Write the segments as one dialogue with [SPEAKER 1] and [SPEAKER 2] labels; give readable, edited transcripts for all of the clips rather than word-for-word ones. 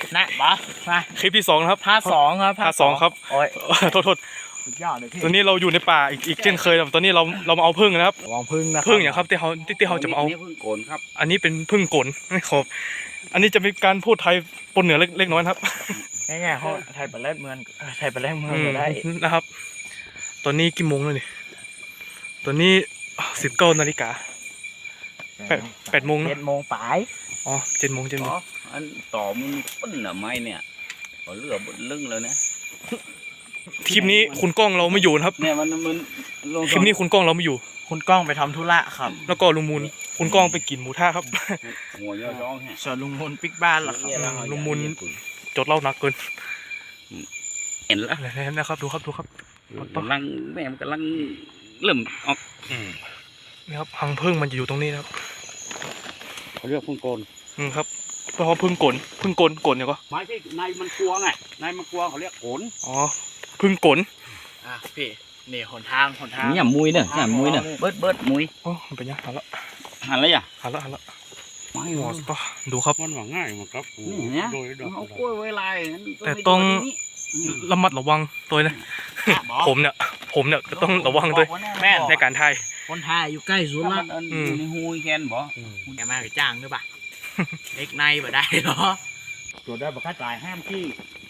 [SPEAKER 1] นะบอมา
[SPEAKER 2] คลิปที่2นะครับ
[SPEAKER 1] ภาค2ครับ
[SPEAKER 2] ภาค2ครับโอ้ยโทษ
[SPEAKER 1] สุดยอดเลยพี่
[SPEAKER 2] ตอนนี้เราอยู่ในป่าอีกเช่นเคยตอนนี้เรามาเอาพึ่งนะครับ
[SPEAKER 1] ลองพึ่งนะ
[SPEAKER 2] พึ่งอย่างครับที่เขาจะมาเอา
[SPEAKER 3] พึ่งโกนครับ
[SPEAKER 2] อันนี้เป็นพึ่งกลครับอันนี้จะมีการพูดไทยปนเหนือเล็กน้อยครับ
[SPEAKER 1] ง่ายๆเขาไทยเป็นแรกเมืองไทยเป็นแรกเมืองได้
[SPEAKER 2] นะครับตอนนี้กี่โมงแล้วนี่ตอนนี้19 นาฬิกา8 โมง
[SPEAKER 1] 7 โมงปลาย
[SPEAKER 2] อ๋อ7 โมง
[SPEAKER 3] อันต่อมันปั้นหรือไม่เนี่ยก็เลือบนลึงเลยนะ
[SPEAKER 2] คลิปนี้คุณก้องเราไม่อยู่นะครับ
[SPEAKER 3] เนี่ยมัน
[SPEAKER 2] คลิปนี้คุณก้องเราไม่อยู่
[SPEAKER 1] คุณก้องไปทำธุระครับ
[SPEAKER 2] แล้วก็ลุงมูลคุณก้องไปกินหมูท่าครับ
[SPEAKER 3] หัวย่อร้อง
[SPEAKER 1] ส่วนลุงมูลปิกบ้านล่ะครับ
[SPEAKER 2] ลุงมูลจดเล่าหนักเกิน
[SPEAKER 3] เห็นแล้ว
[SPEAKER 2] นะครับดูครับ
[SPEAKER 3] กำลังแม่มันกำลังเริ่มออก
[SPEAKER 2] นี่ครับหังพึ่งมันจะอยู่ตรงนี้นะครับ
[SPEAKER 3] เขาเรียกพึ่งโกน
[SPEAKER 2] ครับเพราะพึ่งกลเนี่ยก็
[SPEAKER 3] ไม้ที่นายมันกลัวไงนายมันกลัวเขาเรียกโกน
[SPEAKER 2] อ๋อพึ่งกล
[SPEAKER 1] พี่นี่หนทาง
[SPEAKER 3] เนี่ยมุยเนี่ยมุยเนี่ยเบิดมุย
[SPEAKER 2] โอ้มันเป็นยังหันละหันละ
[SPEAKER 3] ไม่หมด
[SPEAKER 2] ดูครับ
[SPEAKER 3] มันหวังง่ายมั้งครับเนี่ยเอากล้วยไว้ลาย
[SPEAKER 2] แต่ต้องระมัดระวังตัวนะผมเนี่ยก็ต้องระวังด้วย
[SPEAKER 1] แม่
[SPEAKER 2] ในการถ่าย
[SPEAKER 1] คนถ่ายอยู่ใกล้สุดละ
[SPEAKER 3] อยู่ในหูแคนบ่
[SPEAKER 1] แกมาไปจ้างด้วยป่ะเล็กในบ่ได้หรอ
[SPEAKER 3] ตรวจได้บักค่าจ่ายห้ามที่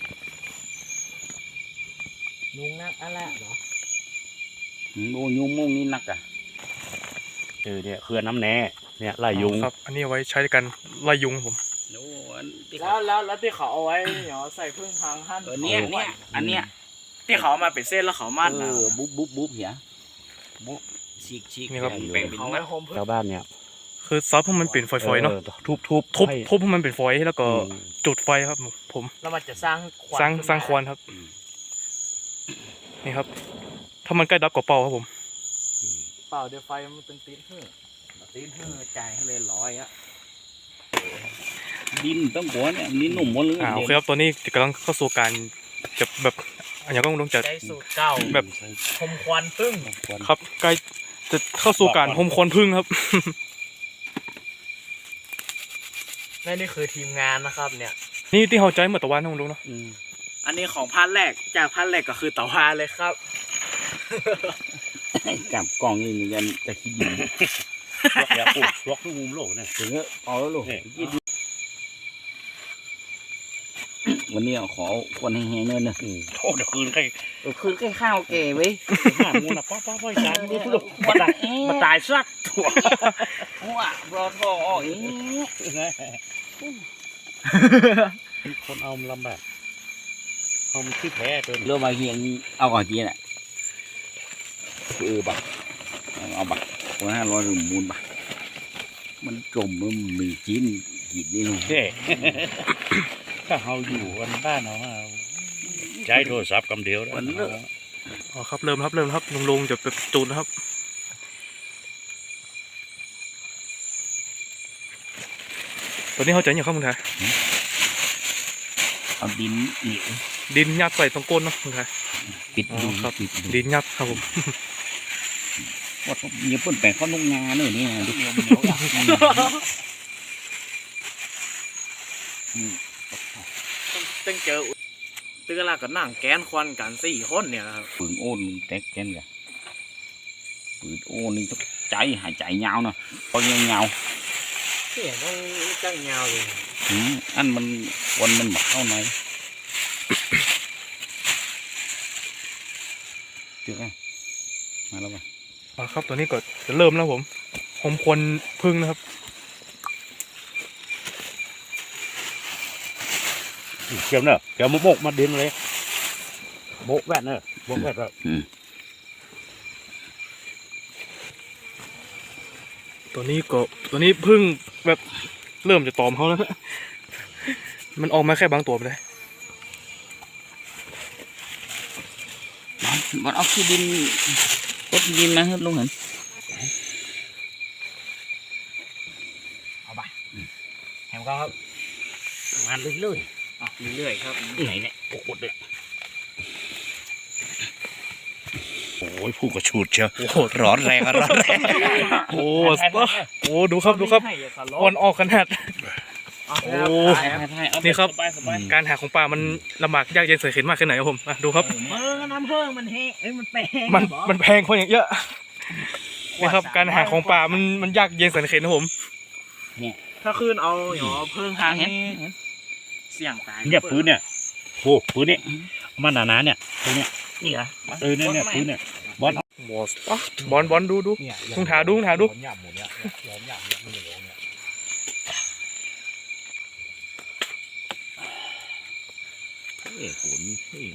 [SPEAKER 1] ยุงนักอะไรหรอ
[SPEAKER 3] โอ้ยุงมุ่งนี่นักอ่ะเนี่ยเคลื่อนน้ำแน่เนี่ยไล่ยุง
[SPEAKER 2] ครับอันนี้เอาไว้ใช้ในการไล่ยุงผม
[SPEAKER 1] แล้วที่เขาเอาไว้เดี๋ยวใส่พึ่งทางท่าน
[SPEAKER 3] เนี่ยอันเนี้ย
[SPEAKER 1] ที่เขามาเป็นเส้นแล้วเขามัด
[SPEAKER 3] บุ๊บเหี้ยบุ๊บฉีก
[SPEAKER 2] นี่ครับ
[SPEAKER 3] เป็นชาวบ้านเนี่ย
[SPEAKER 2] คือซอสพวกมันเป็นฝอยๆเนาะทุบพวกมันเป็นฝอยแล้วก็จุดไฟครับผม
[SPEAKER 1] แล้วมันจะสร้าง
[SPEAKER 2] ควันครับนี่ครับถ้ามันใกล้ดับกับเป่าครับผม
[SPEAKER 1] เป่าเดี๋ยวไฟมันเป็นตีนหื้อจ่ายให้เลย100อ่ะ
[SPEAKER 3] ดินต้องหัวเนี่ยดินหนุ่มหมดเลย
[SPEAKER 2] โอเคครับตัวนี้กำลังเข้าสู่การจะแบบอันนี้ก็ต้องจัด
[SPEAKER 1] สูตรเก่า
[SPEAKER 2] แบบ
[SPEAKER 1] หมควันพึ่ง
[SPEAKER 2] ครับใกล้จะเข้าสู่การหมควันพึ่งครับ
[SPEAKER 1] นี่คือทีมงานนะครับเนี่ย
[SPEAKER 2] นี่ที่เขาใจเหมือนตะวันนะคุณลุงเนาะ
[SPEAKER 1] อันนี้ของพันแรกจากพันแรกก็คือตะวันเลยครับ
[SPEAKER 3] จับกล่องนี่มันยังจะคิดอยู่ล็อกทุกมุมโลกเนี่ยถึงเอาแล้วโลกวันนี้ขอควันแห้งๆเนินนะโอ้เดี๋ยวคืนใครข้าวแก่ไว้ห้ามูนะป้อจานนี่ลูกมาตายซักถั่วว้ารอทองอ๋ออย่างนี้คนเอาลำบากเอาขี้แพ้เกินเรื่องมาเฮียงเอาก่อนจีน่ะบักเอาบักคน500 หรือมูลบักมันจมมันมีจีนกินนี่ลูกถ้าเราอยู่วันบ้านเราใช้โทรศัพท์กำเดียวแล้ว
[SPEAKER 2] อ๋อครับเริ่มครับลุงจะไปจูนนะครับตอนนี้เขาใจอย่างข้างมึงไทย
[SPEAKER 3] เอา
[SPEAKER 2] ดินยัดใส่ตรงก้นเนาะมึงไทย
[SPEAKER 3] ปิดดู
[SPEAKER 2] ครับดินยัดครับผม
[SPEAKER 3] ว่าเนี่ยเพิ่นแปลงเขาลงงานเลยนี่นะ
[SPEAKER 1] ต้องเจอตื้อละก็นั่งแกนควันกัน4 คนเนี่ยครับ
[SPEAKER 3] ปืนโอนแตกแกนกันปืนโอนนี่ต้องใจหายใจยาวนะพอยังยาว
[SPEAKER 1] เสียต้องจังยาวเลย
[SPEAKER 3] อันมันวันมันหมักเข้าในเจอไหมมาแล้วป่ะ
[SPEAKER 2] ครับตัวนี้ก็จะเริ่มแล้วผมควรพึ่งนะครับ
[SPEAKER 3] เกี่ยวเนอะเกี่ยวมุกมาดินเลยโบกแวดเนอะโบกแวดแบบ
[SPEAKER 2] ตัวนี้พึ่งแบบเริ่มจะตอมเขาแล้วมันออกมาแค่บางตัวไปเลย
[SPEAKER 3] มันเอาขี้ดินรถดินมาให้ลุงเห็น
[SPEAKER 1] เอาไปแฮมครับ
[SPEAKER 3] งานเรื่อย
[SPEAKER 1] ๆครับ
[SPEAKER 3] ไหนเนี่ยโอ้โหเลยโอ้ยผู้กระชูดเชียวร้อนแรง
[SPEAKER 2] โอ้ดูครับวันออกขนาดโอ้ นี่ครับ การหาของป่ามันลำบากยากเย็นแสนเข็ญมากแค่ไหนครับผมดูครับ
[SPEAKER 3] น้ำเพิ่งมันแห้งมันแปลง
[SPEAKER 2] มันแพงคนอย่างเยอะนี่ครับการหาของป่ามันยากเย็นแสนเข็ญนะผม
[SPEAKER 1] ถ้าคืนเอาหยอเพิ่งหางนี่เสี่ยงตาย
[SPEAKER 3] เนี่ยปืนเนี่ยโอ้ปืนเนี่ยมันหนาๆเนี่ยตรงเนี้ย
[SPEAKER 1] นี่เหรอ
[SPEAKER 3] เนี่ยปืนเนี่ยบอล
[SPEAKER 2] บอลดู
[SPEAKER 1] เนี่ย
[SPEAKER 2] ทุ่งถาดู
[SPEAKER 1] หยาบหมดเนี่ยล้อมหยาบเนี่ยมันเหลือเนี่ย
[SPEAKER 3] เอ้ฝนเอ้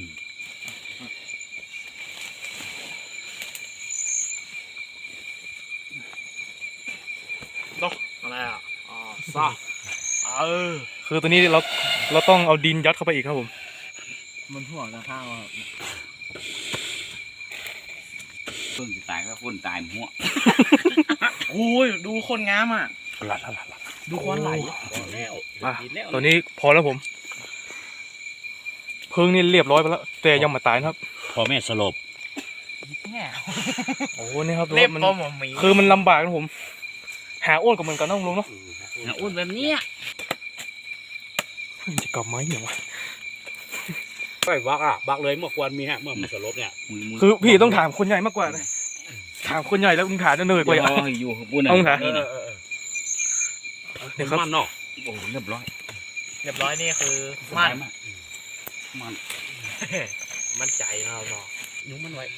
[SPEAKER 1] อะไรอ่ะซา
[SPEAKER 2] คือตัวนี้เราต้องเอาดินยัดเข้าไปอีกครับผม
[SPEAKER 1] มันห่วงทางข้างว่า
[SPEAKER 3] เพิ่งจะตายก็คนตายหัว
[SPEAKER 1] โอ้ยดูคนงามอ่ะ
[SPEAKER 3] หลัด
[SPEAKER 1] ดูควันไหล
[SPEAKER 3] แล้ว
[SPEAKER 2] อ่ะตัวนี้พอแล้วผมเพิ่งนี่เรียบร้อยไปแล้วแต่ยังมาตายนะครับ
[SPEAKER 3] พอแม่สลบ
[SPEAKER 1] แง่
[SPEAKER 2] โอ้นี่ครับ
[SPEAKER 1] เล็บ
[SPEAKER 2] มัน
[SPEAKER 1] ปอมหมี
[SPEAKER 2] คือมันลำบากนะผม หาอ้วนกับเหมือนกันนะลุงเนาะ
[SPEAKER 3] อ้วนแบบนี้
[SPEAKER 2] มันจะกลับไหมเนี่ยวะ
[SPEAKER 3] ไปบักเลยเมื่อควรมีฮะเมื่อมันสลบเนี่ย
[SPEAKER 2] คือพี่ต้องถามคนใหญ่มากกว่านะถามคนใหญ่แล้วลุงถามจะเหนื่อยกว่าอีก
[SPEAKER 3] อยู่บุญ
[SPEAKER 2] ต้องถาม
[SPEAKER 3] เนี่
[SPEAKER 2] นี่
[SPEAKER 3] ย
[SPEAKER 2] ครับ
[SPEAKER 3] มันเนาะโอ้เรียบร้อย
[SPEAKER 1] เรียบร้อยนี่คือมัน
[SPEAKER 3] มัน
[SPEAKER 1] มันใจเราเนาะ
[SPEAKER 3] ยุ้งมันไว้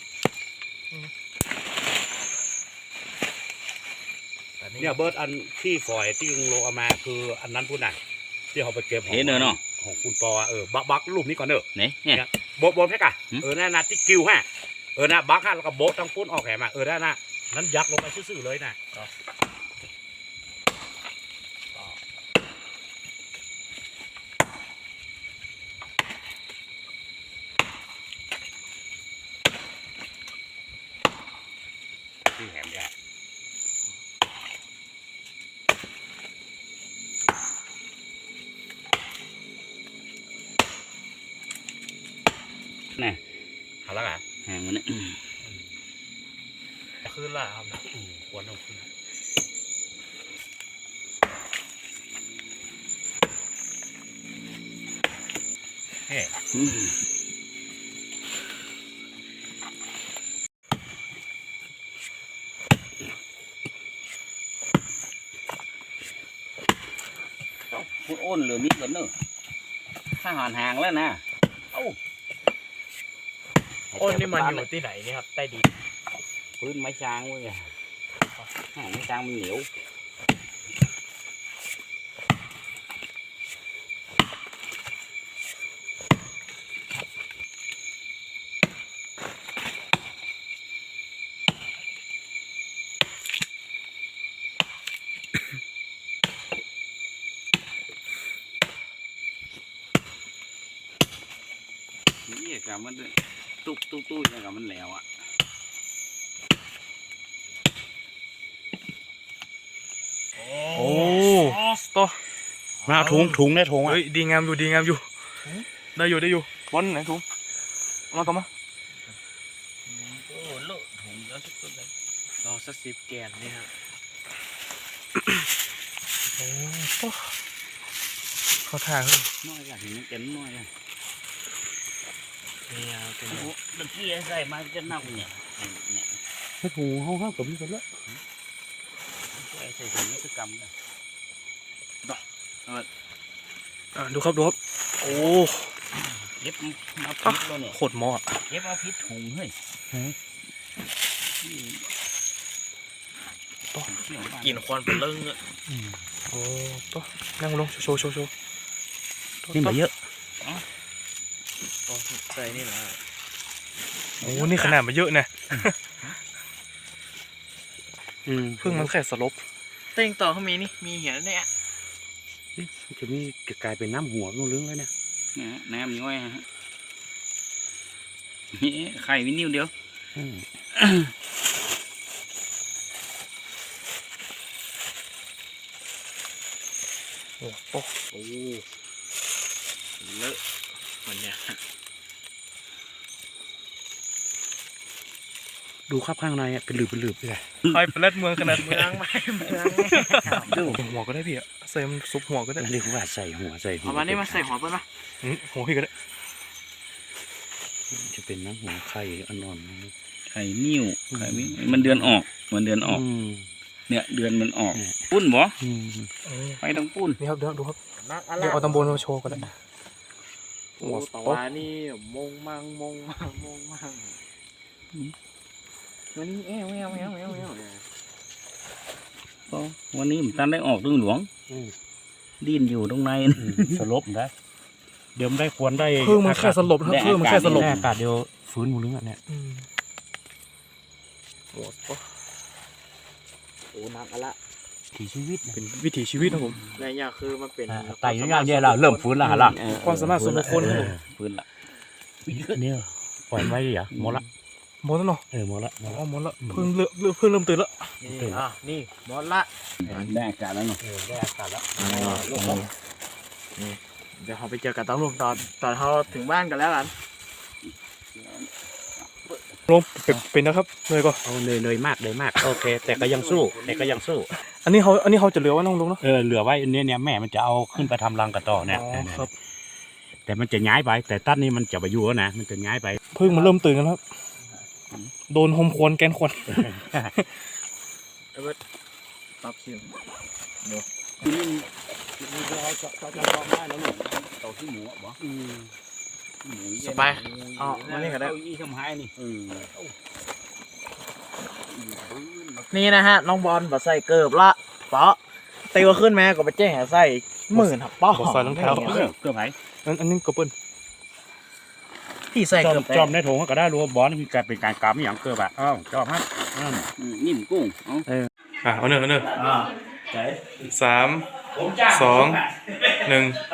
[SPEAKER 3] เนี่ยเบิร์ดอันที่ฝอยที่ลุงโลเอามาคืออันนั้นพูดน่ะที่เขาไปเก็บเห็นเนาะของคุณปอบักรูปนี้ก่อนเนอะเนี่ยโบแพ็กอะนั่นนะที่กิวฮะนะบักฮะแล้วก็โบตั้งปุ้นออกแหมานั่นน่ะนั้นยักลงไปซื่อๆเลยน่ะที่แหมเนี่ยนี่หาแล้วอ่ะแหงมันเนี่ย
[SPEAKER 1] คืนละครับ
[SPEAKER 3] ควรเอาขึ้นเฮ้พูดอ้นเหลือนิดก่อนเนอะถ้าหอนห่างแล้วนะเอ้า
[SPEAKER 1] โอ้นี่มันอยู่ที่ไหนนี่ครับใต้ดิน
[SPEAKER 3] พื้นไม้ช้างเว้ยไม้ช้างมันเหนียวนี่กับมันตู้อย่างกับมันแล้วอ่ะ
[SPEAKER 2] โอ้ต่อ
[SPEAKER 3] มาเอาถุงได้ถุงอ่ะ
[SPEAKER 2] เฮ้ยดีงามอยู่ได้อยู่บอลไหนถุงเอามาต่อมา
[SPEAKER 1] โอ้โลถุงแล้วทุกคนเลยเราสัก10 แกนนี่ครับ
[SPEAKER 2] โอ้ต่อเขาถ่ายเฮ้ย
[SPEAKER 3] น้อยอย่างนี้เต็มน้อยเลย
[SPEAKER 1] นี่ครับเป็น
[SPEAKER 3] โอ้โหเมื่อกี้ใส่มาจะเน่าเนี่ยเนี่ย
[SPEAKER 4] ให้ถุงห้องกับพี่กันแล้ว
[SPEAKER 3] ใส่ถุงนี่คือกำเลย
[SPEAKER 2] ดูครับโอ้
[SPEAKER 3] เย็บมาพิษแล้วเนี่ย
[SPEAKER 2] โคตรเหมาะ
[SPEAKER 3] เย็บมาพิษถุงเฮ้ย
[SPEAKER 1] กินควันเป็นเรื่องอ่ะ
[SPEAKER 2] โอ้ต่อนั่งลงโชว์
[SPEAKER 3] นี่มาเยอะ
[SPEAKER 1] อ๋อใส่นี่แหละ
[SPEAKER 2] โอ้นี่ขนาดมาเยอะนะเพิ่งมันแค่สลบ
[SPEAKER 1] เต้งต่อเขามีนี่มีเหี้ยเนี่ย
[SPEAKER 4] จะมีกลายเป็นน้ำหัวนู่นลึงแล้วเนี่ย
[SPEAKER 3] น้ำย้อยฮะนี่ไข่วินิวเดียว
[SPEAKER 2] โอ้โห
[SPEAKER 1] เลอะมันเนี่ย
[SPEAKER 4] ดูครับข้างในอะเป็นหลืบไปเลย
[SPEAKER 2] ใครเป็นแรดเมืองขนาด
[SPEAKER 1] เมืองไม่เมือง
[SPEAKER 4] ดู
[SPEAKER 2] หัวก็ได้พี่อะใส่มันซุปหัวก็ได้
[SPEAKER 4] เรียกว่าใส่หัว
[SPEAKER 1] เอามานี่มาใส่หัวเปิ้ลมา
[SPEAKER 2] หัวพี่ก็ได้
[SPEAKER 4] จะเป็นน้ำหัวไข่อ่อน
[SPEAKER 3] ไข่นิ่วไข่นิ่วมันเดือนออกมันเดือนออก เนี่ยเดือนมันออกปุ้นบ่ไปต้องปุ้น
[SPEAKER 2] นี่ครับเดี๋ยวดูครับ
[SPEAKER 1] นักอะไร
[SPEAKER 2] เดี๋ยวเอาตำบลมาโชว์ก็ได้
[SPEAKER 1] โอ้ตะวานี่มงมังวันนี้แอว
[SPEAKER 3] ก็วันนี้ผมตันได้ออกตึงหลวงดิ้นอยู่ตรงใน
[SPEAKER 4] สลบได้เดี๋ยวได้ควรได้
[SPEAKER 2] เพิ่งมันแค่สลบนะครับเพิ่งมันแค่สลบ
[SPEAKER 4] อากาศเดียวฟื้นหมดเลยเนี่ย
[SPEAKER 2] โอ้
[SPEAKER 1] โอ้นักอะไร
[SPEAKER 4] ถีชีวิต
[SPEAKER 2] เป็นวิถีชีวิตนะผม
[SPEAKER 1] ในเนี่ยคือมันเป็น
[SPEAKER 4] ไต่ย่างเนี่ยเราเริ่มฟื้นแล้วล่ะ
[SPEAKER 2] ความสามารถส่วนบุคคลครับผม
[SPEAKER 3] พื้นละ
[SPEAKER 4] เนี่ยปล่อยไว้เหรอหมดละ
[SPEAKER 2] หมดแล้วเนาะ
[SPEAKER 4] หมดละ
[SPEAKER 2] อ๋อหมดแล้วเพิ่งเริ่มตื่นแล้ว
[SPEAKER 1] นี่หมดละ
[SPEAKER 3] ได้อากาศแล้วเนาะ
[SPEAKER 4] ได้อากาศแล้ว
[SPEAKER 1] เดี๋ยวเราไปเจอกับตำรวจตอนเราถึงบ้านกันแล้วกัน
[SPEAKER 2] ลงเป็นนะครับเลยก็
[SPEAKER 4] เอาเลยมากโอเคแต่ก็ยังสู้
[SPEAKER 2] อันนี้เขาจะเหลือไว้น้องลุงเนาะ
[SPEAKER 4] เหลือไว้เนี่ยแม่มันจะเอาขึ้นไปทำรังกระต่อเนี่ย
[SPEAKER 2] อ๋อครับ
[SPEAKER 4] แต่มันจะย้ายไปแต่ตั้นนี้มันจะไปอยู่แล้วนะมันจะย้ายไป
[SPEAKER 2] เพิ่งมาเริ่มตื่นกันครับโดนโฮมควนแกนควน
[SPEAKER 1] ปรับเสียง
[SPEAKER 3] ที่นี่มีเขาจะลองได้แล้วหนูเต่าที่หมูอ่ะบ่หมู
[SPEAKER 1] สบายอ๋อมานี่ก็ได้
[SPEAKER 3] อีทำให้นี่
[SPEAKER 1] นี่นะฮะน้องบอลบัดใส่เกิบละเปาะตีว่าขึ้นแม่ก็ไปแจ้งใส่หมื่นครับป้อ
[SPEAKER 2] ใส่รองเท้า
[SPEAKER 4] เกือบไหน
[SPEAKER 2] อันนี้กระเปิ้ล
[SPEAKER 1] พี่ใส่เกิบ
[SPEAKER 4] จอมในถุงก็ได้รู้ว่าบอลมีการเป็นการกำอย่างเกือบอ่ะจอมฮะ
[SPEAKER 3] นิ่มกุ้งเอา
[SPEAKER 2] เอาเนื้อ
[SPEAKER 3] ใช่
[SPEAKER 2] 3 2 1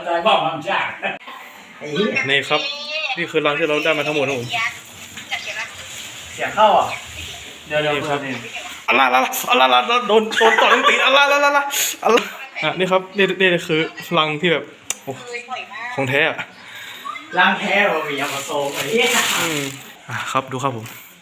[SPEAKER 2] นี่ครับนี่คือรังที่เราได้มาทั้งหมดนะผม
[SPEAKER 1] เสียเข้าอ่ะเดี๋ยว
[SPEAKER 2] นี่ครับอัลลาโดนต่อทั้งตีอัลลานี่ครับนี่คือรังที่แบบโอ้ของแท้อะ
[SPEAKER 1] ล้างแท้เรามียามาโซ่ไอ้
[SPEAKER 2] ครับดูครับผม